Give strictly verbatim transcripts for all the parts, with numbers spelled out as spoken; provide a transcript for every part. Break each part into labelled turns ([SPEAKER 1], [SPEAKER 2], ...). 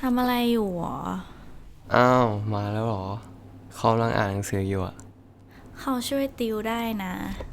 [SPEAKER 1] ำอะไรอยู่หรอ
[SPEAKER 2] อ้าวมาแล้วเหรอเขากำลังอ่านหนังสืออยู่อ่ะ
[SPEAKER 1] เขาช่วยติวได้นะ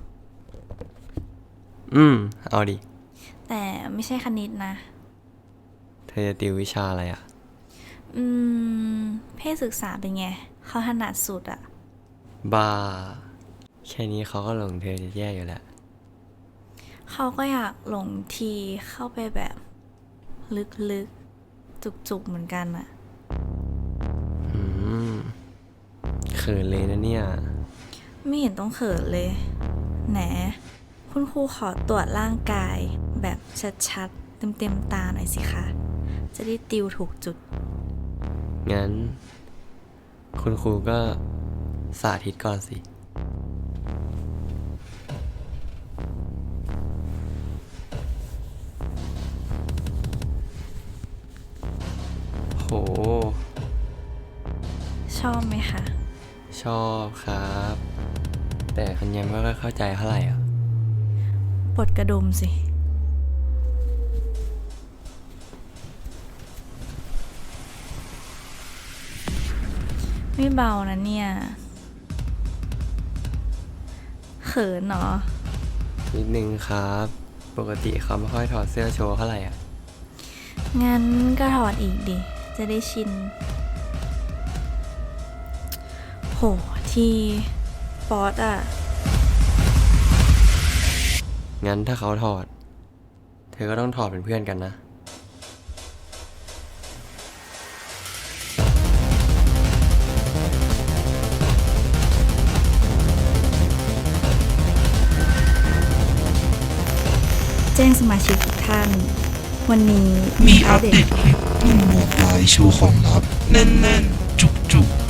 [SPEAKER 2] อืมเอาดิ
[SPEAKER 1] แต่ไม่ใช่คณิตนะ
[SPEAKER 2] เธอจะติววิชาอะไรอ่ะ
[SPEAKER 1] อืมเพศศึกษาเป็นไงเขาถนัดสุดอะ
[SPEAKER 2] บ้าแค่นี้เขาก็หลงเธอจะแย่อยู่แล้ว
[SPEAKER 1] เขาก็อยากหลงทีเข้าไปแบบลึกๆจุกๆเหมือนกันอะ
[SPEAKER 2] อืมเขินเลยนะเนี่ย
[SPEAKER 1] ไม่เห็นต้องเขินเลยแหนคุณครูขอตรวจร่างกายแบบชัดๆเต็มๆตาหน่อยสิคะจะได้ติวถูกจุด
[SPEAKER 2] งั้นคุณครูก็สาธิตก่อนสิโห
[SPEAKER 1] ชอบไหมคะ
[SPEAKER 2] ชอบครับแต่คุณยังไม่ค่อยเข้าใจเท่าไหร่อ่ะ
[SPEAKER 1] ปลดกระดุมสิไม่เบานะเนี่ยเขินเนาะ
[SPEAKER 2] นิดนึงครับปกติเขาไม่ค่อยถอดเสื้อโชว์เท่าไหร่อ่ะ
[SPEAKER 1] งั้นก็ถอดอีกดิ จะได้ชิน โห ทีป๊อตอะ
[SPEAKER 2] งั้นถ้าเขาถอดเธอก็ต้องถอดเป็นเพื่อนกันนะ
[SPEAKER 1] แจ้งสมาชิกทุกท่าน วันนี้
[SPEAKER 3] มีอัปเดตคลิปหนุ่มหมวกลายโชว์ของลับแน่นๆ จุกๆ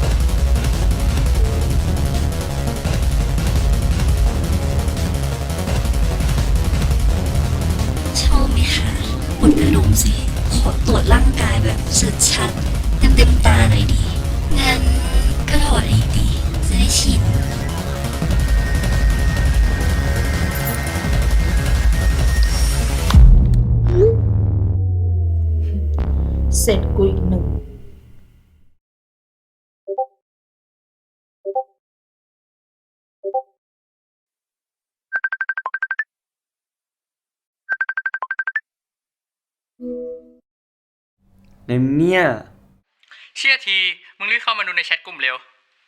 [SPEAKER 4] ชอบไหมคะปลดกระดุมสิ ขอตรวจร่างกายแบบชัดๆเต็มๆตาหน่อยดี งั้นก็ถอดอีกดี จะได้ชิน
[SPEAKER 5] เสร็จกูอีกหนึ่ง
[SPEAKER 2] เนมเนี่ย
[SPEAKER 6] เชื่อที มึงรีบเข้ามาดูในแชทกลุ่มเร็ว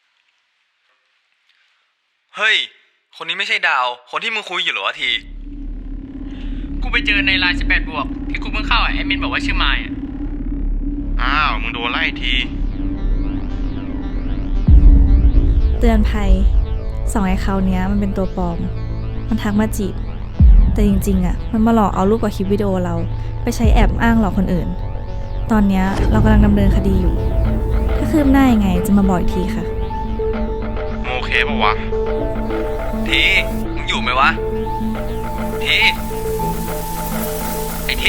[SPEAKER 7] เฮ้ย คนนี้ไม่ใช่ดาว คนที่มึงคุยอยู่เหรอวะที
[SPEAKER 6] กูไปเจอในไลน์สิบแปดบวกที่กูเพิ่งเข้าอ่ะแอดมินบอกว่าชื่อมายอ่ะ
[SPEAKER 7] อ้าว มึงโดนไล่ที
[SPEAKER 1] เตือนภัยสองไอ้เขาเนี้ยมันเป็นตัวปลอม มันทักมาจีบ แต่จริงๆอะมันมาหลอกเอารูปกับคลิปวิดีโอเรา ไปใช้แอบอ้างหลอกคนอื่น ตอนเนี้ยเรากำลังดำเนินคดีอยู่ ถ้าคืบหน้ายังไงจะมาบอกอีกทีค่ะ
[SPEAKER 7] มึงโอเคปะวะ ที มึงอยู่ไหมวะ ที ไอ้ที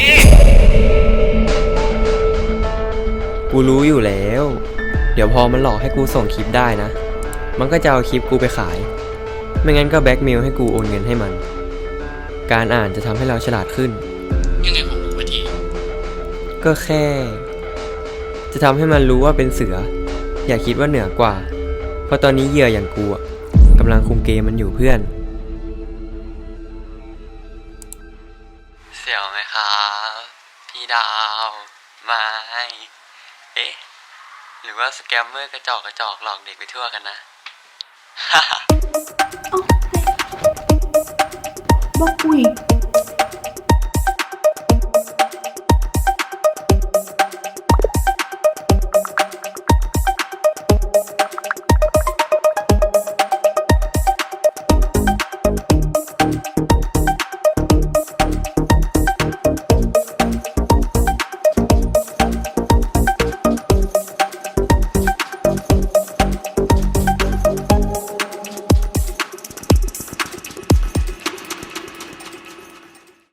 [SPEAKER 2] กูรู้อยู่แล้ว เดี๋ยวพอมันหลอกให้กูส่งคลิปได้นะ มันก็จะเอาคลิปกูไปขาย ไม่งั้นก็แบล็กเมลให้กูโอนเงินให้มัน การอ่านจะทำให้เราฉลาดขึ้น
[SPEAKER 6] ยังไงของมึงวะที
[SPEAKER 2] ก็แค่ จะทำให้มันรู้ว่าเป็นเสือ อย่าคิดว่าเหนือกว่า เพราะตอนนี้เหยื่ออย่างกูอะกำลังคุมเกมมันอยู่เพื่อนเสียวไหมครับพี่ดาวไม่เอ๊ะหรือว่าสแกมเมอร์กระจอกกระจอกหลอกเด็กไปทั่วกันนะ
[SPEAKER 5] บอกกูอีก